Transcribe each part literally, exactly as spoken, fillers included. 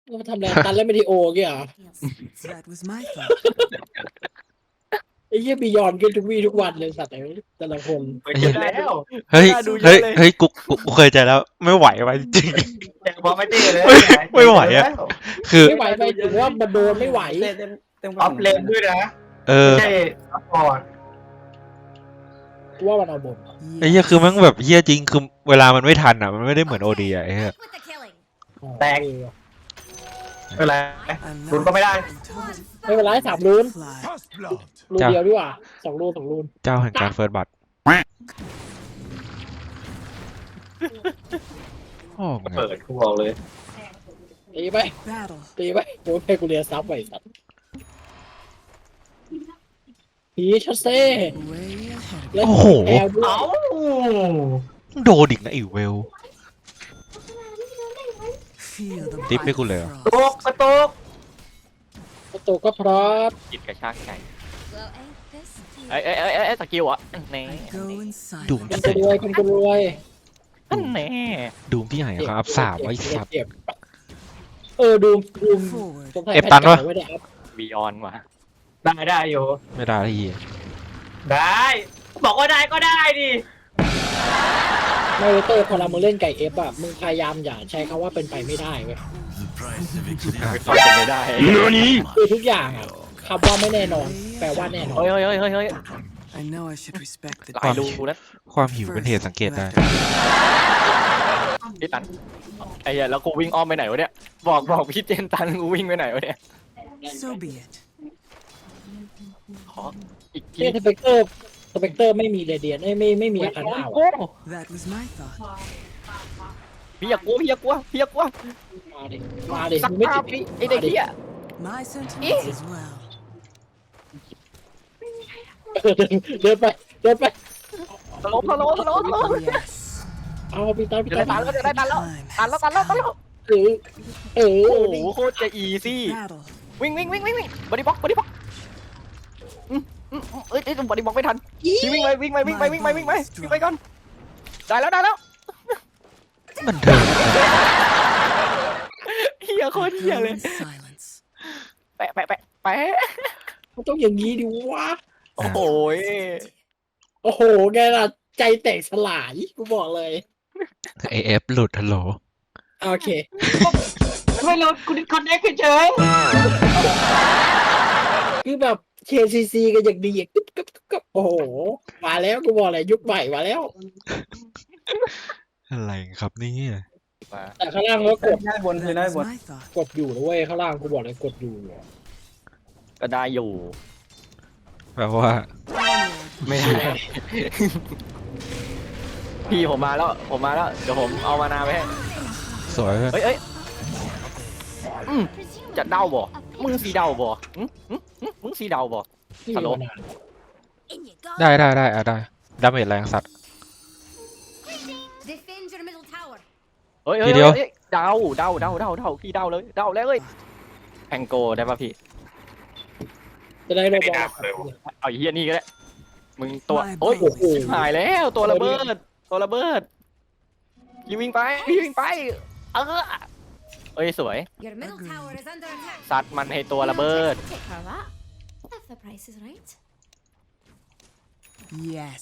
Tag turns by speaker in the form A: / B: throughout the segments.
A: เราทำอะไรตันแล้วไม่ดีโอเงี้ยเหรอ
B: That was my thought.
A: ไอ้เหี้ยบียอนกันทุกวี่ทุกวันเลยสัตว์ไอ้แต่ละคน
C: ไปเจอแล้ว
D: เฮ้ย
E: น่าดูเย
D: เฮ้ย
E: อะเลย
D: เฮ้ยกูกูกูเคยใจแล้วไม่ไหวว่ะจริง
C: แต่พอไม่เจอเลย
D: ไม่ไหวอะ คือ
A: ไม่ไหวไปถึงว่ามันโดนไม่ไหว
E: เต็มเต็มเต็ม
C: ออฟเลนด้วยนะ
D: เออ
C: ไม่ใช่ซัพพอร์ต
A: กูว่ามันเอาบน
D: ไอ้เหี้ยคือมันแบบเหี้ยจริงคือเวลามันไม่ทันอ่ะมันไม่ได้เหมือนโอดีอ่ะไอ้เหี้ย
C: แตกไม่เป็นไรลุ้นก็ไม่ได้
A: ไม่เป็นไรสามรูน
B: Fly.
A: รูนเดียวดีกว่าสองรูนสองรูน
D: เจ้าแห่งการเฟิร์สบัตโอ้โห
C: เปิดกูบอกเลย
A: ตีไป
B: Battle.
A: ตีไปโอ้ยเพกูเรียนซับไปสัตว์พีชเซ่
B: Way ahead.
A: แล้ว
D: โอ้โห
A: แอลด้วย
C: เอ้า
D: โดนอีกนะอีเวล
B: Feel the
D: Tiếp
B: bite
D: với cô
B: of
D: Lệ.
B: frost.
C: ตกกระตุก
A: ประตูก็พร้อม
E: จิตกระชากใจเอ้ยเอ้ยเอ้ยเอ้ยสกิลอ่ะแน่
B: I go in
D: ดูม
B: silence.
A: คนจะรวยคนจะรวย
E: แน่
D: ดูมที่ไหนครับสามไอ้สัตว์
A: เจ็บเออดูดูม
B: Forward.
A: สงสัย
D: เอฟตันวะ
A: แพทเก่าไม่ได้อัพ
E: บีออนว่ะ
C: ได้ได้อยู่
D: ไม่ได้ละเหี้ย
C: ได้ บอกว่าได้ก็ได้ดิ
A: ไม่เตอร์พอเรามึงเล่นไก่เอฟอ่ะมึงพยายามอย่าใช้คำว่าเป็นไปไม่ได้เว้ย
E: เขาจะไม่ได้
A: คือทุกอย่างอ่ะคำว่าไม่แน่นอน แปลว่าแน่นอน
E: เฮ้ยเฮ้ยเฮ้ยเฮ้ยเฮ้ย
B: I know I should respect the
E: หลายรูนะ
D: ความหิวเป็นเหตุสังเกตได้
E: พี่ตันไอ้เหี้ยแล้วกูวิ่งอ้อมไปไหนวะเนี่ยบอกบอกพี่เจนตันกูวิ่งไปไหนวะเนี่ย
B: So be it.
E: ขออีกที
A: เนี่ยสเปกเตอร์สเปกเตอร์ไม่มีเรเดียนไม่ไม่ไม่มีอาคารหน้า
E: โอ้
A: ว่ะ
B: That was my thought.
E: พี่อย่ากลัวพี่อย่ากลัวพี่อย่ากลัว
A: มาดิมาดิ
E: สัก
A: มึงไม่
E: ภา
A: ติ
E: พ
A: ด
E: พี่ไอเด็กเหี้ย
B: My sentiments as well.
A: เออเดินไปเดินไป
E: ตลกตลกตลกตลก
B: Yes.
A: เอาพี่ตาพี่
E: จะได้
A: ตา
E: ตันแล้วจะได้ตันแล้ว
B: Time
E: ตันแล้ว
B: has
E: ตันแล้วตันแล้ว
B: come.
A: เออเออ
E: โอ้โหโคตรจะอีซี่
B: Battle.
E: วิ่งวิ่งวิ่งวิ่งวิ่งบอดี้บ็อกบอดี้บ็อกอืมอืมอืมเอ้ยเอ้ยบอดี้บ็อกไม่ทันพี่วิ่งไปวิ่งไปวิ่งไปวิ่งไปวิ่งไปวิ่งไปก่อนได้แล้วได้แล้ว
D: มันเดิน
E: เฮียโค
B: I
E: ตรเฮีย
B: go
E: เลย
B: in silence.
E: แปะแปะแปะแปะ
A: มันต้องอย่างนี้ดิวะ
E: โอ้โห
A: โอ้โหไงล่ะใจแตกสลายกูบอกเลย
D: เอเอฟหลุดฮัลโหล
A: โอเค
C: ไม่รู้กูดิคอนเนคเฉย
A: คือแบบ เค ซี ซี กันอย่างดีอ่ะกึ๊บกึ๊บกึ๊บกึ๊บโอ้โหมาแล้วกูบอกเลยยุคใหม่มาแล้ว
D: อะไรครับนี่
A: แต่ข้างล่างก็กด
E: ได้บนคือ
B: That
E: ได้
B: was
E: บน
B: my thought.
A: กดอยู่นะเว้ยข้างล่างกูบอกเลยกดอยู่
E: ก็ได้อยู่
D: แปลว่า
E: ไม่ได้พี่ผมมาแล้วผมมาแล้วเดี๋ยวผมเอามานาไปให้
D: สวยเลย
E: เฮ้ยเฮ้ยอืมจะเดาบ่มึงสีเดาบ่อืมอืมอืมมึงสีเดาบ่
A: นี่
E: ฮัลโหล
A: มานาน
D: ได้ได้ได้อะได้ดาเมจแรงสัตว์
F: Defend your middle tower.
E: เฮ้ย
D: ที
E: เฮ้ย
D: เดียว
E: เฮ้ยเดาเดาเดาเดาเดาพี่เดาเลยเดาแล้วเอ้ยแองโกได้ป่ะพี่
A: จะได้ระบอ
E: เอาไอ้เฮียนี่ก็ได้มึงตัว
B: My
E: โอ้ย
B: bow is
E: หายแล้วตัวระเบิดตัวระเบิดพี่วิ่งไปพี่วิ่งไปเออเอ้ยสวย
F: Your middle
B: Agreed.
F: tower is under attack.
E: ซัดมันให้ตัวระเบิด
F: Now just take her up. If the price is right.
B: Yes.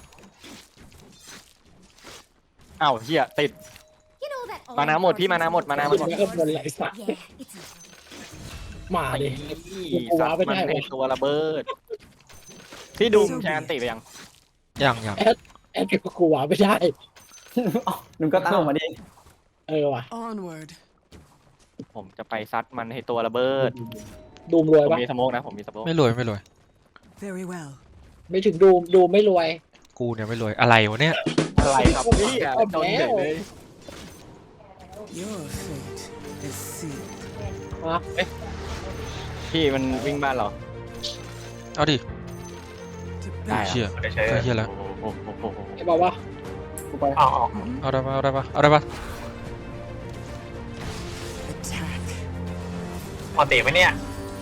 E: อ้าวเฮียติด
F: You know that.
E: มานาหมดพี่มานาหมดมานาหม
A: ขึ้
E: ด
A: นไปข้างบนไหลสัตว์
F: Yeah, it's over.
A: มา
E: ไอ้
A: ดิ
E: ซัดมันให้ตัวระเบิดพี่ดูแชนติไปยัง
D: ยังยัง
A: แอดกับกูวาไม่ได้
E: นุ่มก็ตั้งมาดิ
A: เออว่ะ
B: Onward.
E: ผมจะไปซัดมันให้ตัวระเบิด
A: ดูมรวย
E: ผม
A: ปะ
E: มีสโมกนะผมมีสโมก
D: ไม่รวยไม่รวย
B: Very well.
A: ไม่ถึงดูมดูมไม่รวย
D: กูเนี่ยไม่รวยอะไรวะเนี่ย
E: อะไรครับพี่อ่ะโดนเฉยเลย
B: Your fate is sealed.
A: ฮะ
E: พี่มันวิ่งบ้านเรา
D: เอาดิ
B: To
E: ได้
B: battle.
D: เชี่ย
C: ๆเฉย
D: ก็เชี่ยแล้ว
E: โอ้โหโอ้โหโอ้โห
A: ไอ้บอกว่า
C: ๆเอาเอา
D: เอาได้ปะเอาได้ปะเอาได้ปะ
B: Attack.
C: พอเตะไหมเนี่ย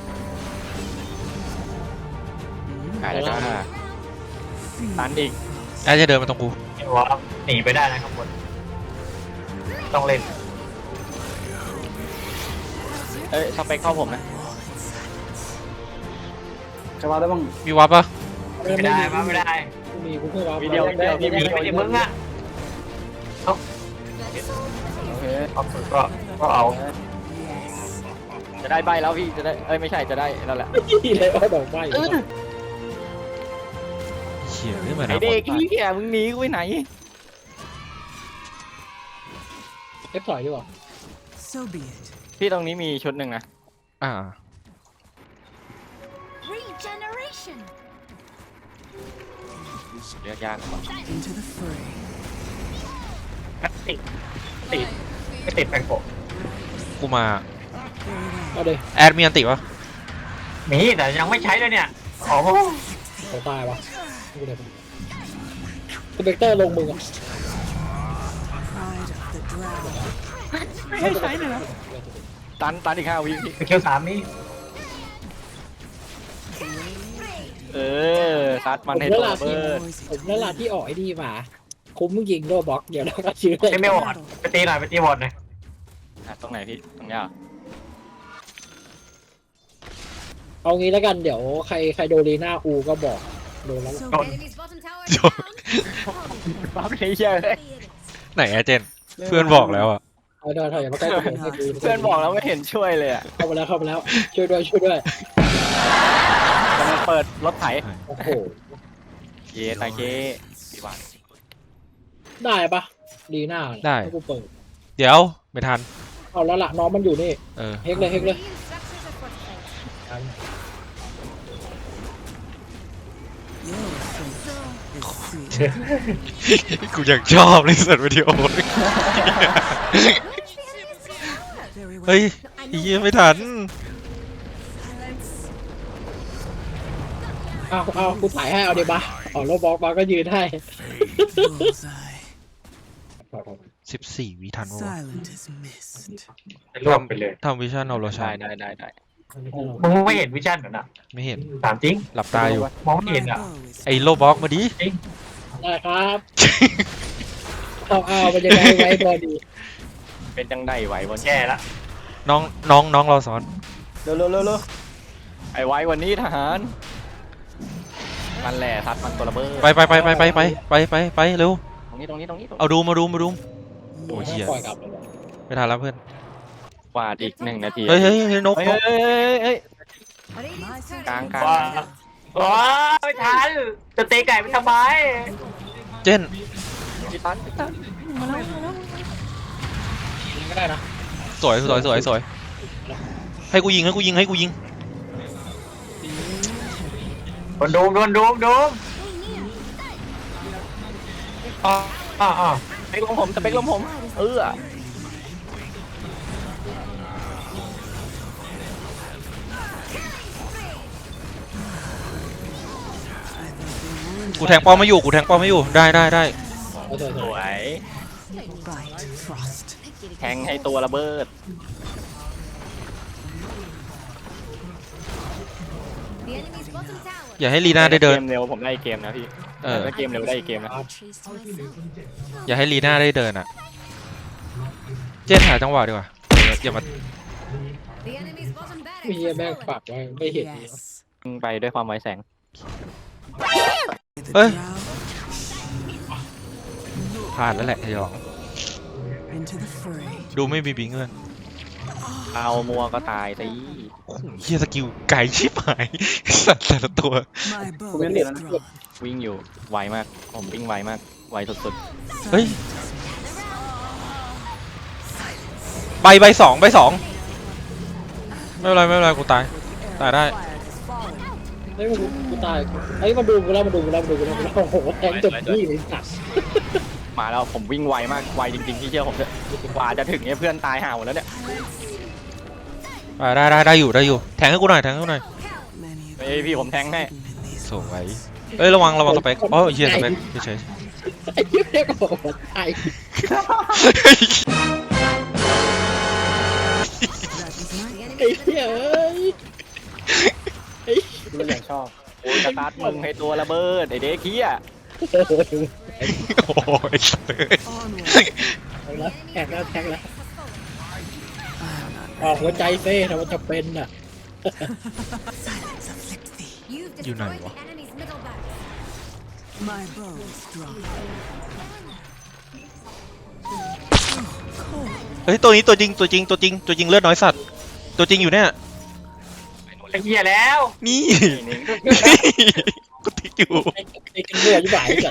E: ได้แล้วจ้า
B: Feel
E: ตันอีก
D: ไอ้จะเดินมาตรงกู
C: เห็นว่าหนีไปได้นะครับบนต้องเล่น
E: เอ้ยสเปคเข้าผมนะ
C: จะมาได้บ้าง
D: มีวับปะ
C: ไม่ได้มาไม่ได้
A: กูมีกูเพิ่งวาร์ป
E: วิดีโอวิดีโอวิดีโอ
C: ไม่ใช่มึงอ่ะ
E: โอเค
C: เอาก็ก็เอา
E: จะได้ใบแล้วพี่จะได้เอ้ยไม่ใช่จะได้แล้วแหละ
A: ที่เลยอ้อดอกไม้
D: เขี่ยขึ้นมา
E: ไอ
D: นะ
E: เด็กเหี้ยมึงหนีกูไปไหน
A: เอฟถอยดีกว่า
B: So be it.
E: พี่ตรงนี้มีชุดหนึ่งนะ
D: อ่า
F: Regeneration.
E: เลือกยากกว่า
B: Into the fray.
C: ติดติดไม่ติดแปงโกะ
D: กูมา
B: Very
A: เอาเลย
D: แอดมีอันติปะ
C: มีแต่ยังไม่ใช้เลยเนี่ยโอ้โห
A: เขาตายวะกูเลยสเปกเตอร์ลงมึงอ่ะ
B: pride of the dragon.
E: ไม่ให้ใช้เลยนะตันตันอีกห้าวิพี่
C: ไปเคียวสามนี่
E: เออซัดมันให้ตัวเบิร์ด
A: ผมนั่นแหละที่ออกไอ้นี่มาคุ้มมึงยิงโดบล็อกเดี๋ยวเราก็ชื่อเลย
C: ไอ้ไม่วอดไปตีหน่อยไปตีวอดหน่อย
E: อ่ะตรงไหนพี่ตรงเนี้ยเหรอ
A: เอางี้แล้วกันเดี๋ยวใครใครโดนลีน่าอูก็บอกโดนแล้ว
B: So
C: Don't.
B: be it.
F: Enemy's bottom tower
D: Don't.
F: down.
E: บ้าไปเหี้ยเลย
D: ไหนอะเจน เพื่อนบอกแล้วอะ
A: เอาเดี๋ยวถอยอย่ามาใกล้ผมให้กู
E: เพื่อนบอกแล้วไม่เห็นช่วยเลยอ่ะ
A: เข้ามาแล้วเข้ามาแล้วช่วยด้วยช่วยด้วย
E: กำลังเปิดรถไถ
A: โอ้โห
E: เยตาเคพี่บาน
A: ได้ปะลีน่าให้กูเปิด
D: เดี๋ยวไม่ทัน
A: เอาแล้วล่ะน้องมันอยู่นี่
D: เออ
A: เฮกเลยเฮกเลย
B: Your fate is sealed.
D: กูอยากชอบเลยสัตว์วิดีโอ
B: Very well.
D: เฮ้ยไอ้เหี้ยไม่ทัน
B: Silence.
A: เอาเอากูถ่ายให้เอาเดี๋ยวมาเอาโลบล็อกมาก็ยืนให้
B: Bullseye.
D: สิบสี่วิทันวะ
B: Silent as mist.
C: รวมไปเลย
D: ทำวิชั่นเอาโรชา
E: ได้ได้ได้ได้
C: มึงไม่เห็นวิชั่นเหรอนะ
D: ไม่เห็น
C: ถามจริง
D: หลับตาอยู่
C: มองไม่
B: My
C: เห็นอ่ะ
B: bow is
D: ไอ้โลบล็อกมาดิ
A: ได้ครับเอาเอามันจะได้ไว้พอดี
E: เป็นจังได้ไหววัน
C: แย่ละ
D: น้องน้องน้องรอสอน
E: เร็วเร็วเร็วเร็วไอ้ไว้วันนี้ทหารมันแหละซัดมันตัวระเบิด
D: ไปไปไปไปไปไปไปไปไปเร็ว
E: ตรงนี้ตรงนี้ตรงนี้ตรง
D: เอา
E: นี้
D: ดูมาดูมาดู โอ้ยเหี้ย
A: ปล่อยกลับเลย
D: ไม่ทันแล้วเพื่อน
E: วาดอีกหนึ่งนาที
D: เฮ้ยเฮ้ยเฮ้ยนก
E: เฮ้ย
D: นก
E: เฮ้ยเฮ้ยเฮ้ย
F: Radiant's turret
E: กลาง
F: is
E: กลาง
C: ว้าว้าไม่ทันจะตีไก่ไปทำไม
D: เจน
E: พี่ตันพี่ตัน
A: ก็ได้นะ
D: สวยสวยสวยสวยให้กูยิงให้กูยิงให้กูยิง
C: โดนดูมโดนดูมดูมอ๋ออ๋ออ๋อ
E: สเปกลมผมสเปกลมผมเออ
D: กูแทงป้อมไม่อยู่กูแทงป้อมไม่อยู่ได้ได้ได้
A: เอาเถอะ
E: สวย
B: bite frost.
E: แทงให้ตัวระเบิด
F: The enemy's bottom tower.
D: อย่าให้ลีน่าได้เดิน
E: เกมเร็วผมได้อีกเกมนะพี่
D: เออ
E: ถ้าเกมเร็วได้อีกเกมนะ
F: Trees to myself.
D: อย่าให้ลีน่าได้เดินอ่ะ เจนหาจังหวะดีกว่าอย่ามา
F: The enemy's bottom barracks
A: มี
F: has
A: แม่ง
F: fallen.
A: ปักไว้ไม่เห็น
B: Yes.
E: ไปด้วยความไวแสง
B: The
D: Ê.
B: drow
D: พลาดแล้วแหละไอ้หยอง
B: into the fray.
D: ดูไม่มีบิงเงิน
E: เอามัวก็ตายสิ
D: โอ้โหเฮียสกิลไก่ชิบหายสัตว์แต่ละตัว
B: My bow
A: Không biết
B: is
A: liền nó
B: drawn.
E: วิ่งอยู่ไวมากผมวิ่งไวมากไวสุด
D: เฮ้ย
B: Silent as mist.
D: ใบใบสองใบสองไม่เป็นไรไม่เป็นไรกูตายตายได้
B: Fire has fallen.
A: เฮ้ยกูกูตายเฮ้ยมาดูกูแล้วมาดูกูแล้วมาดูกูแล้วมาดูกูแล้วโอ้โหแทงจบที่เลยสัตว์
E: ๆมาแล้วผมวิ่งไวมากไวจริงๆที่เชื่อผมเถอะกว่าจะถึงเนี่ยเพื่อนตายห่าหมดแล้วเนี่ย
D: อ่าได้ได้ได้อยู่ได้อยู่แทงให้กูหน่อยแทงให้กูหน่อย
B: Many of
E: เฮ้ยพี่ผมแทงให้
B: hidden in these
D: สวยเอ้ยระวังระวังสเปกอ๋อเฮียสเปกเฉย
A: ไอ้เหี้ยเนี่ยก็บอกว่าตาย
D: ๆ
B: That is my
A: ไอ้เหี้ยเอ้ยไอ้
E: ดูอย่างชอบโอ้ยสตาร์ทมึงให้ตัวระเบิดไอเด็กเฮีย
A: โอ้โห
D: โอ้ยสัตว์
B: onward.
A: แทงแล้วแทงแล้วแทงแล้ว
B: I'm not
A: ออกหัวใจเซ่ถ้ามันจะเป็นน่ะ
B: Silence afflicts thee.
F: You've
D: You know
F: destroyed
D: what?
F: the enemy's middle barracks.
B: My bow is strong.
D: เฮ้ยตัวนี้ตัวจริงตัวจริงตัวจริงตัวจริงเลือดน้อยสัตว์ตัวจริงอยู่เนี่ย
C: ไอ้เหี้ยแล้ว
D: นี่
E: นี่
D: กูติ๊กอยู่
A: ไอ้ไอ้กันเบื่อยิ่งบ่ายจัด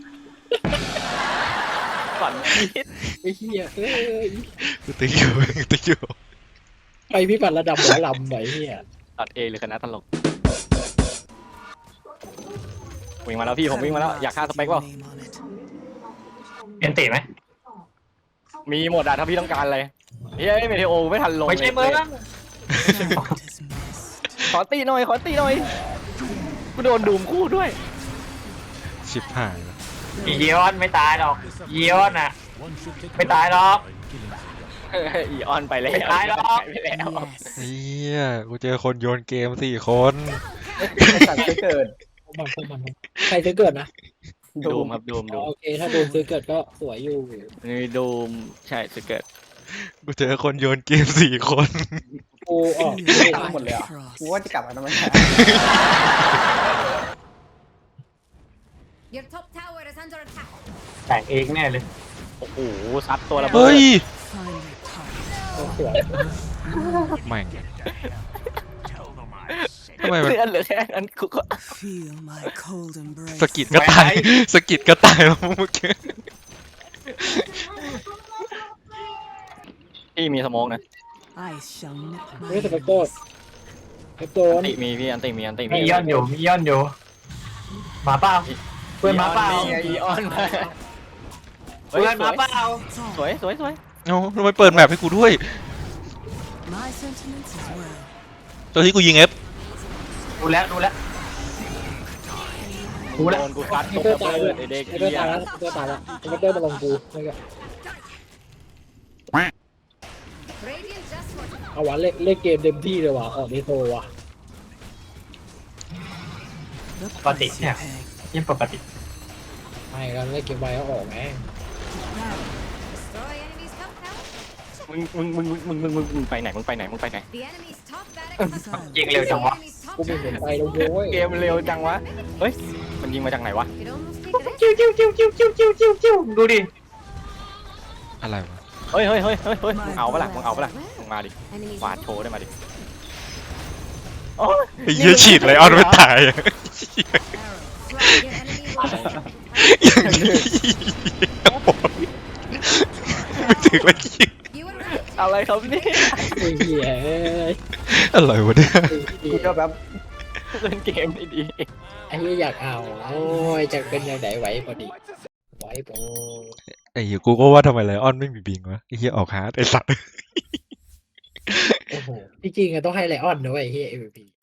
E: ก่อนคิด
A: ไอ้เหี้ยเอ้ย
D: กูติ๊กอยู่กูติ๊กอยู่
A: ไปพิบัติระดับหมอลำไหนเหี้ย
E: ตัดเอหรือคณะตลกวิ่งมาแล้วพี่ผมวิ่งมาแล้วอยากฆ่าสเปกเปล่า
B: Name on it.
C: เอ็นตีไหม
E: มีหมดอะถ้าพี่ต้องการอะไรเฮ้ยเมเทโอไม่ทันลง
C: ไม่ใช่
E: เลย
C: มึง
B: Giant is missed.
E: ขอตีหน่อยขอตีหน่อยกูโดนดูมคู่ด้วย
D: ชิบหายแล้ว
C: อีเยอนไม่ตายหรอกอีเยอนอ่ะ ไม่ตายหรอก
E: เฮ้ยอีออนไปแล้ว
C: ไม่ตายหรอก
E: ไปแล้ว
B: Yes.
D: เฮียกูเจอคนโยนเกมสี่คน
E: ไอ้สัตว์จะเกิด
A: พวกมันพวกมันใครซื้อเกิดนะ
E: ดูมครับดูม
A: อ๋
E: ดู
A: อ
E: ม
A: โอเคถ้าโดนซื้อเกิดก็สวยอยู่
E: นี่ดูมใช่จะเกิด
D: กูเจอคนโยนเกมสี่คน
A: กูออก
B: Feel
E: หมดเลยอ่ะ
B: frost.
E: กูว่าจะกลับมาทำไม
F: Your top tower is under attack.
C: แต่งเองแน่เลย
E: โอ้โหซัดตัวระเบิ
D: เฮ้
E: ด
D: ย
B: Find your target.
A: สวย
D: แม่งทำไมมัน
E: เลือดเหลือแค่นั้นกูก็
B: Feel my cold embrace.
D: สะกิดก็ตายสะกิดก็ตายแล้วเมื่อกี้
E: พี่มีสโมองนะ
B: I shall nip my
A: ไม่สเปกโต
B: enemies.
A: เปกโต
E: อั
A: น
E: นติมีพี่อันติมีอันติ
C: มีย้อนอยู่มีย้อนอยู่มาเปล่าเพื่อนมาเปล่า
E: อีออนมา
C: เพื่อนมาเปล่า
E: สวยสวยสวย
D: เอ้าทำไมเปิดแมปให้กูด้วย
B: My sentiments as well.
D: ตัวที่กูยิงเอฟ
C: ดูแล้วดูแล้ว
E: กูโดนกูซัด
A: ไอ้
E: ตก
A: เตอ
E: ระ
A: ร์ตาย
E: เบิ
A: เลย
E: ดไอ้เด็ก
A: ไอ้เตอร์ตายแล้วไอ้เตอร์ตายแล้วไอ้เตอร์มาลงกูนี่ก็
F: Radiant just fortified.
A: เอาวะเล่นเล่นเกมเต็มที่เลยว่ะออกในโทรว่ะ
B: The
C: Pati
B: price you
C: niya.
B: pay.
C: ยิ่งปกติ
A: ไม่กันเล่นเกมไวก็ออกแม่ง
F: Destroy enemy's top tower.
E: มึงมึงมึงมึงมึงมึงมึงไปไหนมึงไปไหนมึงไปไหน
F: The enemy's top barracks has fallen.
C: ยิงเร็วจังวะ
F: Enemy's top
A: กูไม่เห็น
F: tower.
A: ไปแล้วโว้ย
E: เกมเร็วจังวะเฮ้ยมันยิงมาจากไหนวะ
F: Could almost take it.
C: จิ้วจิ้วจิ้วจิ้วจิ้วจิ้วจิ้วจิ้วดูดิ
D: อะไรวะ
E: เฮ้ยเฮ้ยเฮ้ยเฮ้ยเฮ้ยมึงเอาปะล่ะมึงเอาปะล่ะมึงมาดิ
F: Enemy's
E: วาดโชว์ได้มาดิโอ้ย
D: ไอ้เหี้ยฉีดไรออนไม่ตายอะ
F: arrow. Flag your enemy will
D: ไม่ถึงเลยยิง
F: You were right.
E: อะไรครับเนี่ย
A: ไอ้เหี้ยเอ้ย
D: อะไรวะเนี่ย
E: กูจะแบบเล่นเกมดี
A: ไอ้เหี้ยอยากเอาโอ้ยจะเป็นยังไงไหวพอดีไหวพอ
D: ไอ้เหี้ยกูก็ว่าทำไมไลออนไม่มีบิงวะไอ้เหี้ยออกฮาร์ดไอ้สัตว์
A: โอ้โหจริงๆอะต้องให้ไลออนนะเว้ยไอ้เหี้ย เอ็ม วี พี